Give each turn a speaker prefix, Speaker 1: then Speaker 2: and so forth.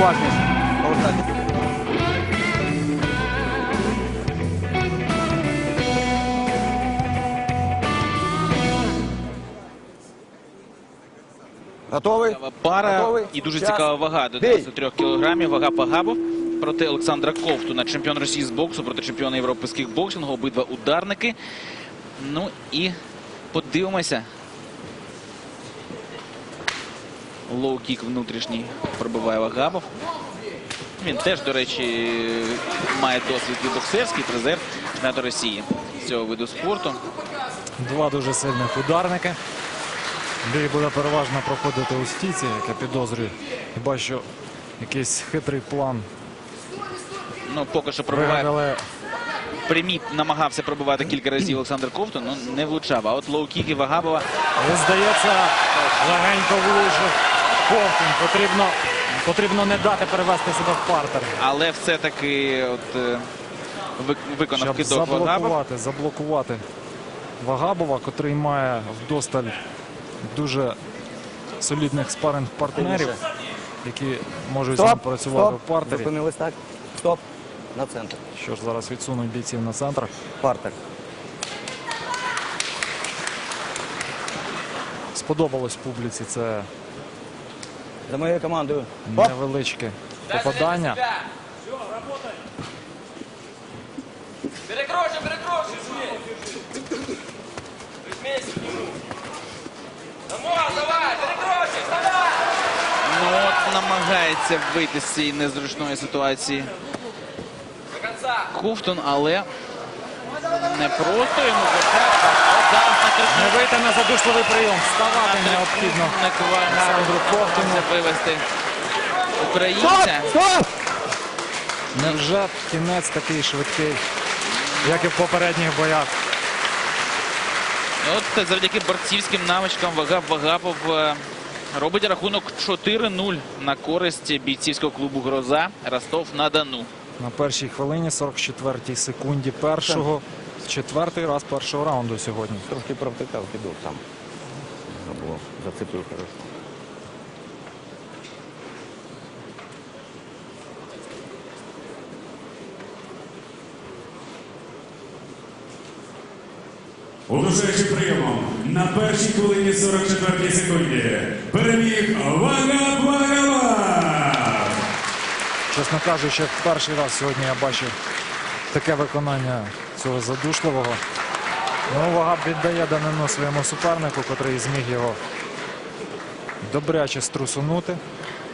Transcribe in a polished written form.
Speaker 1: уважніше. Повертайтесь. Готовий?
Speaker 2: Пара
Speaker 1: Готовий?
Speaker 2: і дуже
Speaker 1: Час.
Speaker 2: цікава вага до
Speaker 1: Бій.
Speaker 2: 93 кілограмів. Вага Пагабов проти Олександра Ковтуна. Чемпіон Росії з боксу проти чемпіона Європи з кікбоксингу. Обидва ударники. Ну і подивимося. Лоу-кік внутрішній пробиває Вагабов. Він теж, до речі, має досвід і боксерський, призер чемпіонату Росії з цього виду спорту.
Speaker 3: Два дуже сильних ударники. Бій буде переважно проходити у стійці, як я підозрюю. Хіба що якийсь хитрий план
Speaker 2: Ну, поки що пробиває.
Speaker 3: вигадали.
Speaker 2: Прямі намагався пробивати кілька разів Олександр Ковтун, але не влучав. А от лоу-кіки Вагабова.
Speaker 3: І, здається, легенько влучив Ковтун. Потрібно не дати перевести себе в партер.
Speaker 2: Але все-таки виконав
Speaker 3: Щоб
Speaker 2: кидок Вагабов.
Speaker 3: заблокувати Вагабова, котрий має вдосталь дуже солідних спаринг-партнерів, які можуть з ним працювати в партері.
Speaker 1: Зупинились так. Стоп. На центр.
Speaker 3: Що ж, зараз відсунуть бійців на центр.
Speaker 1: Партер.
Speaker 3: Сподобалось публіці це
Speaker 1: За моєю командою. Оп.
Speaker 3: невеличке попадання.
Speaker 4: Перекройся, перекройся, давай, перекройся, вставай!
Speaker 2: Ну от намагається вийти з цієї незручної ситуації
Speaker 4: До конца.
Speaker 2: Ковтун, але не просто йому почати. От зараз накричав.
Speaker 3: Не вийти на задушливий прийом. Вставати необхідно Олександру Ковтуну.
Speaker 2: Намагався вивести українця.
Speaker 1: Стоп!
Speaker 3: Невже кінець такий швидкий, як і в попередніх боях?
Speaker 2: От завдяки борцівським навичкам Вагабов робить рахунок 4-0 на користь бійцівського клубу «Гроза» Ростов-на-Дону.
Speaker 3: На першій хвилині, 44-й секунді першого. Четвертий раз першого раунду сьогодні.
Speaker 1: Трошки провтикав кидок там. Або зацепив хорошо.
Speaker 5: Удушаючим прийомом на першій хвилині 44 секунді переміг Вагабов.
Speaker 3: Чесно кажучи, перший раз сьогодні я бачив таке виконання цього задушливого. Ну, Вагаб віддає данину своєму супернику, котрий зміг його добряче струсунути.